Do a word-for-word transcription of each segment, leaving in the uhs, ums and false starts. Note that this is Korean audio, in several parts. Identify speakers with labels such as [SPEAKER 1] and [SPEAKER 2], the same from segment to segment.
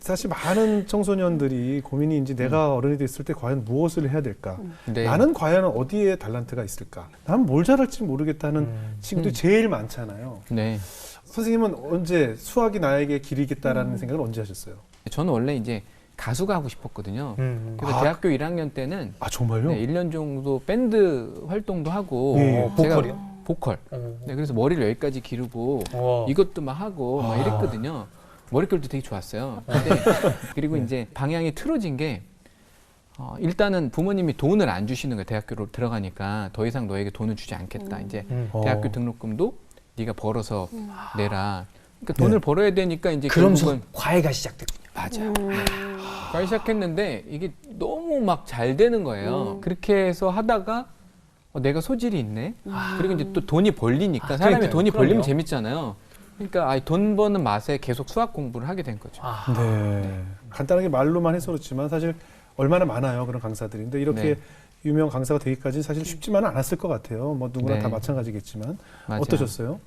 [SPEAKER 1] 사실 많은 청소년들이 고민이 이제 내가 어른이 됐을 때 과연 무엇을 해야 될까?
[SPEAKER 2] 네.
[SPEAKER 1] 나는 과연 어디에 달란트가 있을까? 나는 뭘 잘할지 모르겠다는
[SPEAKER 3] 음.
[SPEAKER 1] 친구들이
[SPEAKER 2] 음.
[SPEAKER 1] 제일 많잖아요.
[SPEAKER 2] 네.
[SPEAKER 1] 선생님은 언제 수학이 나에게 길이겠다라는 생각을 언제 하셨어요?
[SPEAKER 2] 저는 원래 이제 가수가 하고 싶었거든요.
[SPEAKER 3] 음.
[SPEAKER 2] 그래서
[SPEAKER 1] 아.
[SPEAKER 2] 대학교 일 학년 때는
[SPEAKER 1] 아 정말요?
[SPEAKER 2] 네, 일 년 정도 밴드 활동도 하고
[SPEAKER 1] 네.
[SPEAKER 2] 제가
[SPEAKER 3] 보컬이요?
[SPEAKER 2] 보컬.
[SPEAKER 3] 어.
[SPEAKER 2] 네, 그래서 머리를 여기까지 기르고
[SPEAKER 3] 와.
[SPEAKER 2] 이것도 막 하고 막
[SPEAKER 1] 아.
[SPEAKER 2] 이랬거든요. 머릿결도 되게 좋았어요. 근데 그리고
[SPEAKER 1] 네.
[SPEAKER 2] 이제 방향이 틀어진 게 어, 일단은 부모님이 돈을 안 주시는 거예요. 대학교로 들어가니까 더 이상 너에게 돈을 주지 않겠다. 이제
[SPEAKER 3] 음.
[SPEAKER 2] 대학교
[SPEAKER 1] 어.
[SPEAKER 2] 등록금도 네가 벌어서 내라. 그러니까
[SPEAKER 1] 네.
[SPEAKER 2] 돈을 벌어야 되니까 이제
[SPEAKER 3] 그러면서
[SPEAKER 2] 결국은
[SPEAKER 3] 과외가 시작됐군요.
[SPEAKER 2] 맞아. 과외 시작했는데 이게 너무 막 잘 되는 거예요.
[SPEAKER 4] 음.
[SPEAKER 2] 그렇게 해서 하다가 어, 내가 소질이 있네. 그리고 이제 또 돈이 벌리니까
[SPEAKER 3] 아,
[SPEAKER 2] 사람이
[SPEAKER 3] 그러니까요.
[SPEAKER 2] 돈이 벌리면
[SPEAKER 3] 그럼요.
[SPEAKER 2] 재밌잖아요. 그러니까 아이, 돈 버는 맛에 계속 수학 공부를 하게 된 거죠.
[SPEAKER 3] 아.
[SPEAKER 1] 네. 간단하게 말로만 해서 그렇지만 사실 얼마나 많아요 그런 강사들이. 근데 이렇게
[SPEAKER 2] 네.
[SPEAKER 1] 유명 강사가 되기까지 사실 쉽지만은 않았을 것 같아요. 뭐 누구나
[SPEAKER 2] 네.
[SPEAKER 1] 다 마찬가지겠지만
[SPEAKER 2] 맞아요.
[SPEAKER 1] 어떠셨어요?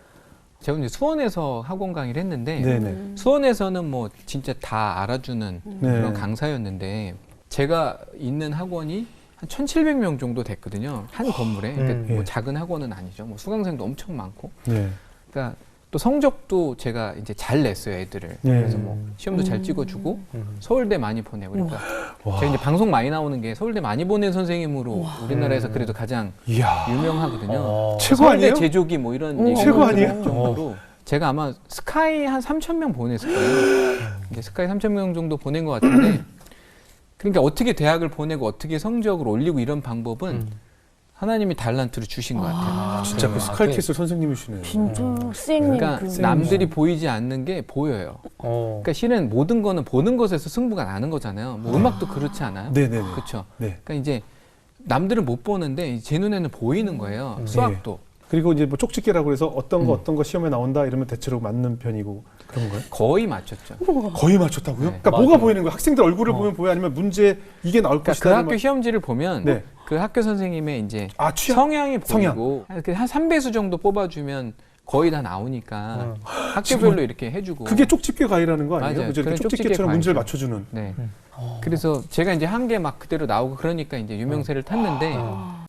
[SPEAKER 2] 제가 이제 수원에서 학원 강의를 했는데
[SPEAKER 1] 네네.
[SPEAKER 2] 수원에서는 뭐 진짜 다 알아주는
[SPEAKER 1] 네.
[SPEAKER 2] 그런 강사였는데 제가 있는 학원이 한 천칠백 명 정도 됐거든요. 한 건물에. 그러니까
[SPEAKER 3] 음,
[SPEAKER 2] 뭐
[SPEAKER 1] 예.
[SPEAKER 2] 작은 학원은 아니죠. 뭐 수강생도 엄청 많고.
[SPEAKER 1] 네.
[SPEAKER 2] 그러니까 또 성적도 제가 이제 잘 냈어요, 애들을.
[SPEAKER 1] 네.
[SPEAKER 2] 그래서 뭐 시험도 잘 찍어주고
[SPEAKER 3] 음.
[SPEAKER 2] 서울대 많이 보내고. 그러니까
[SPEAKER 1] 와.
[SPEAKER 2] 제가 이제 방송 많이 나오는 게 서울대 많이 보낸 선생님으로 우리나라에서 그래도 가장
[SPEAKER 1] 이야.
[SPEAKER 2] 유명하거든요.
[SPEAKER 3] 어.
[SPEAKER 1] 최고
[SPEAKER 2] 서울대
[SPEAKER 1] 아니에요?
[SPEAKER 2] 제조기 뭐 이런
[SPEAKER 4] 오.
[SPEAKER 2] 얘기
[SPEAKER 1] 최고 아니에요?
[SPEAKER 2] 정도로 제가 아마 스카이 한 삼천 명 보냈을 거예요. 이제 스카이 삼천 명 정도 보낸 것 같은데 그러니까 어떻게 대학을 보내고 어떻게 성적을 올리고 이런 방법은
[SPEAKER 3] 음.
[SPEAKER 2] 하나님이 달란트를 주신 것 같아요.
[SPEAKER 4] 아,
[SPEAKER 1] 진짜 그
[SPEAKER 2] 아,
[SPEAKER 1] 스카이캐슬 선생님이시네요.
[SPEAKER 4] 진짜
[SPEAKER 3] 음.
[SPEAKER 4] 선생님
[SPEAKER 2] 그러니까
[SPEAKER 4] 그
[SPEAKER 2] 남들이 보이지 않는 게 보여요.
[SPEAKER 3] 어.
[SPEAKER 2] 그러니까 실은 모든 거는 보는 것에서 승부가 나는 거잖아요. 뭐 음악도 그렇지 않아요?
[SPEAKER 1] 네네네.
[SPEAKER 2] 그렇죠.
[SPEAKER 1] 네.
[SPEAKER 2] 그러니까 이제 남들은 못 보는데 제 눈에는 보이는 거예요.
[SPEAKER 3] 음.
[SPEAKER 2] 수학도.
[SPEAKER 1] 그리고 이제 뭐 쪽집게라고 해서 어떤 거
[SPEAKER 2] 음.
[SPEAKER 1] 어떤 거 시험에 나온다 이러면 대체로 맞는 편이고 그런 거예요?
[SPEAKER 2] 거의 맞췄죠.
[SPEAKER 1] 거의 맞췄다고요?
[SPEAKER 2] 네.
[SPEAKER 1] 그러니까
[SPEAKER 3] 맞아요.
[SPEAKER 1] 뭐가 보이는 거예요? 학생들 얼굴을
[SPEAKER 3] 어.
[SPEAKER 1] 보면 보여 아니면 문제 이게 나올
[SPEAKER 2] 그러니까
[SPEAKER 1] 것이다.
[SPEAKER 2] 그
[SPEAKER 1] 이러면-
[SPEAKER 2] 학교 시험지를 보면
[SPEAKER 1] 네.
[SPEAKER 2] 그 학교 선생님의 이제
[SPEAKER 1] 아 취향.
[SPEAKER 2] 성향이
[SPEAKER 1] 성향.
[SPEAKER 2] 보이고 한 삼 배수 정도 뽑아주면 거의 다 나오니까
[SPEAKER 3] 음.
[SPEAKER 2] 학교별로 이렇게 해주고.
[SPEAKER 1] 그게 쪽집게 과외라는 거 아니에요?
[SPEAKER 2] 맞아요.
[SPEAKER 1] 그죠? 이렇게
[SPEAKER 2] 그런 쪽집게
[SPEAKER 1] 쪽집게처럼 문제를
[SPEAKER 2] 과외죠.
[SPEAKER 1] 맞춰주는.
[SPEAKER 2] 네.
[SPEAKER 3] 어.
[SPEAKER 2] 그래서 제가 이제 한 개 막 그대로 나오고 그러니까 이제 유명세를 탔는데
[SPEAKER 3] 어.